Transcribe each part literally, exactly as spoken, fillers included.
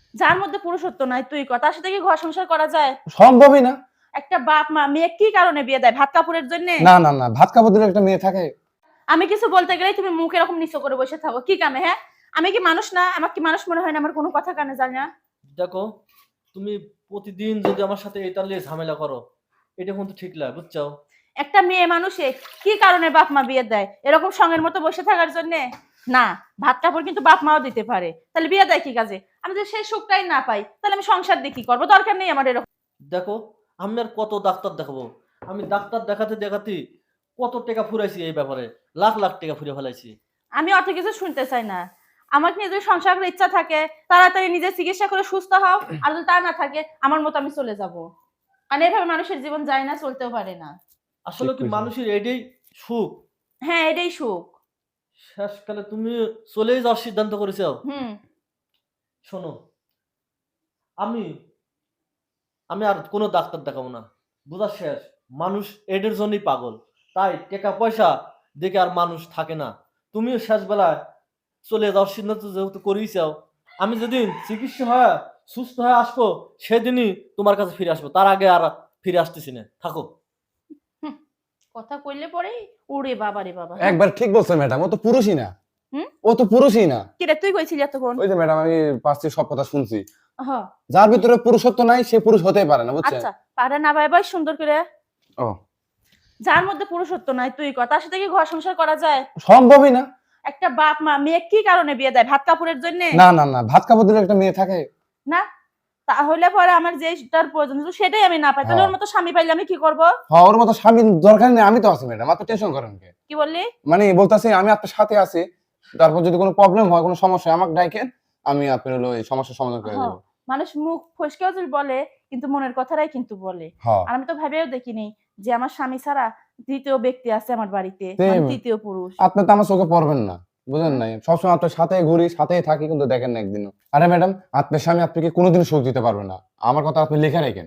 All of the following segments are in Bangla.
যার মধ্যে পুরুষত্ব নাই তুই ক, তার সাথে কি ঘর সংসার করা যায়? সম্ভবই না। একটা বাপ মা মেয়ে কি কারণে বিয়ে দেয়? ভাত কাপড়ের জন্য? না না না, ভাত কাপড় দিলে একটা মেয়ে থাকে? আমি কিছু বলতে গেলেই তুমি মুখ এরকম নিচু করে বসে থাকো, কি কামে? হ্যাঁ, আমি কি মানুষ না? আমার কি মানুষ মনে হয় না? আমার কোনো কথা কানে যায় না? দেখো, তুমি প্রতিদিন যদি আমার সাথে এটা নিয়ে ঝামেলা করো, এটা কিন্তু ঠিক লাগে, বুঝছো? একটা মেয়ে মানুষে কি কারণে বাপ মা বিয়ে দেয়? এরকম সঙ্গের মতো বসে থাকার জন্য না? ভাত কাপড় কিন্তু বাপ মাও দিতে পারে, তাহলে বিয়ে দেয় কি কাজে? আমি যদি সেই সুখটাই না পাই, তাহলে আমি সংসার দিয়ে কি করবো? দরকার নেই আমার এরকম। দেখো, আমি আর কত ডাক্তার দেখাবো? আমি ডাক্তার দেখাতে দেখাতে কত টাকা ফুরাইছি এই ব্যাপারে, লাখ লাখ টাকা ফুরে ফেলাইছি। আমি অত কিছু শুনতে চাই না। আমার নিয়ে যদি সংসার করার ইচ্ছা থাকে, তাড়াতাড়ি নিজে চিকিৎসা করে সুস্থ হও, আর যদি তা না থাকে আমার মতো আমি চলে যাব। আর এভাবে মানুষের জীবন যায় না, চলতেও পারে না। আসলে কি মানুষের এটাই সুখ? হ্যাঁ, এটাই সুখ। শেষকালে তুমি চলেই যাওয়ার সিদ্ধান্ত করেছো। হুম। শোনো, আমি আমি আর কোনো ডাক্তার দেখাবো না, বুঝা শেষ। মানুষ এদের জন্যই পাগল, তাই টাকা পয়সা দেখে আর মানুষ থাকে না। তুমিও শেষ বেলায় চলে যাওয়ার সিদ্ধান্ত যেহেতু করেই চাও, আমি যেদিন চিকিৎসা হয়ে সুস্থ হয়ে আসবো সেদিনই তোমার কাছে ফিরে আসবো, তার আগে আর ফিরে আসতেছি না, থাকো। হুম, কথা কইলে পরে ওরে বাবা রে বাবা। একবার ঠিক বলছেন ম্যাডাম, ও তো পুরুষই না। হুম? ও তো পুরুষই না। কি রে তুই কইছিলি এতক্ষণ? ওই যে ম্যাডাম, আমি পাঁচটি সব কথা শুনছি। হ্যাঁ। যার ভিতরে পুরুষত্ব নাই সে পুরুষ হতেই পারে না, বুঝছেন? আচ্ছা, পারে না ভাই ভাই সুন্দর করে। ও, যার মধ্যে পুরুষত্ব নাই তুই ক, তার সাথে কি ঘর সংসার করা যায়? সম্ভবই না। একটা বাপ মা মেয়ে কি কারণে বিয়ে দেয়? ভাত কাপড়ের জন্য? না না না, ভাত কাপড় দিলে একটা মেয়ে থাকে? না, তাহলে পরে আমার যেটার প্রয়োজন ছিল সেটাই আমি না পাই, তাহলে ওর মতো স্বামী পাইলে আমি কি করব? হ্যাঁ, ওর মতো স্বামী দরকার নেই, আমি তো আছি ম্যাডাম, আপনি টেনশন করেন কে? কি বললি? মানে বলতাছি আমি আপনার সাথে আছি, তারপর যদি কোনো প্রবলেম হয়, কোনো সমস্যা হয়, আমাকে ডাকেন, আমি আপনার হলো এই সমস্যার সমাধান করে হ্যাঁ, দেব। মানুষ মুখ ফসকেও যদি বলে, কিন্তু মনের কথাটাই কিন্তু বলে। হ্যাঁ, আর আমি তো ভেবেও দেখিনি যে আমার স্বামী ছাড়া তৃতীয় ব্যক্তি আছে আমার বাড়িতে, তে- মানে তৃতীয় পুরুষ। আপনি তো আমার চোখে পড়বেন না, বুঝেন হ্যাঁ? নাই? সবসময় আপনার সাথে ঘুরি, সাথেই থাকি, কিন্তু দেখেন না একদিনও। আরে ম্যাডাম, আপনার স্বামী আপনাকে কোনোদিন সুখ দিতে পারবে না, আমার কথা আপনি লিখে রাখেন।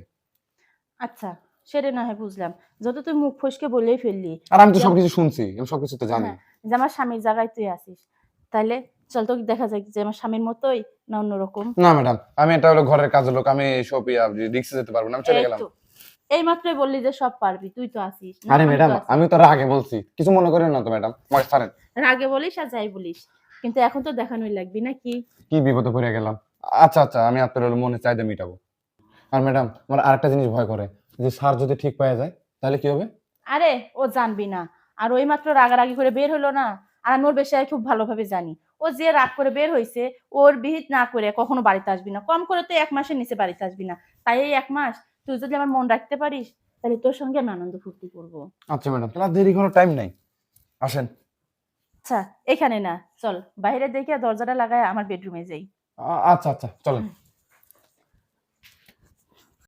আচ্ছা, সেটা না হয় বুঝলাম। যত তুই মুখ ফসকে বলেই ফেললি আর আমি তো যে সবকিছু শুনছি, আমি সবকিছু তো জানি। হ্যাঁ, যে আমার স্বামীর জায়গায় তুই আছিস, তাইলে চল তো দেখা যাক যে আমার স্বামীর মতোই না অন্যরকম। না ম্যাডাম, আমি এটা হলো ঘরের কাজের লোক, আমি এইসব রিক্সে যেতে পারবো না, আমি চলে এই গেলাম। তো, এই মাত্রই বললি যে সব পারবি, তুই তো আছিস না? আরে আমি ম্যাডাম, তো আছি। আমি তো রাগে বলছি, কিছু মনে করেন না তো ম্যাডাম, আমার ছাড়েন। রাগে বলিস আর যাই বলিস, কিন্তু এখন তো দেখানোই লাগবি নাকি? কি বিপদে পড়ে গেলাম। আচ্ছা আচ্ছা, আমি আপনার হলো মনে চাহিদা মিটাবো। আর ম্যাডাম, আমার আরেকটা জিনিস ভয় করে, যে স্যার যদি ঠিক পাওয়া যায় তাহলে কি হবে? আরে ও জানবি না। আর ওই মাত্র রাগারাগি করে বের হলো না, আর আমি ওর বিষয়ে খুব ভালোভাবে জানি। ও যে রাগ করে বের হইছে, ওর বিহিত না করে কখনো বাড়িতে আসবি না, কম করে তো এক মাসের নিচে বাড়িতে আসবি না। তাই এই এক মাস তুই যদি আমার মন রাখতে পারিস, তাহলে তোর সঙ্গে আমি আনন্দ ফুর্তি করবো। আচ্ছা ম্যাডাম, তাহলে আর দেরি করার টাইম নাই, আসেন। আচ্ছা, এখানে না, চল বাইরে দেখে দরজাটা লাগায় আমার বেডরুমে যাই। আ- আচ্ছা আচ্ছা, চলেন।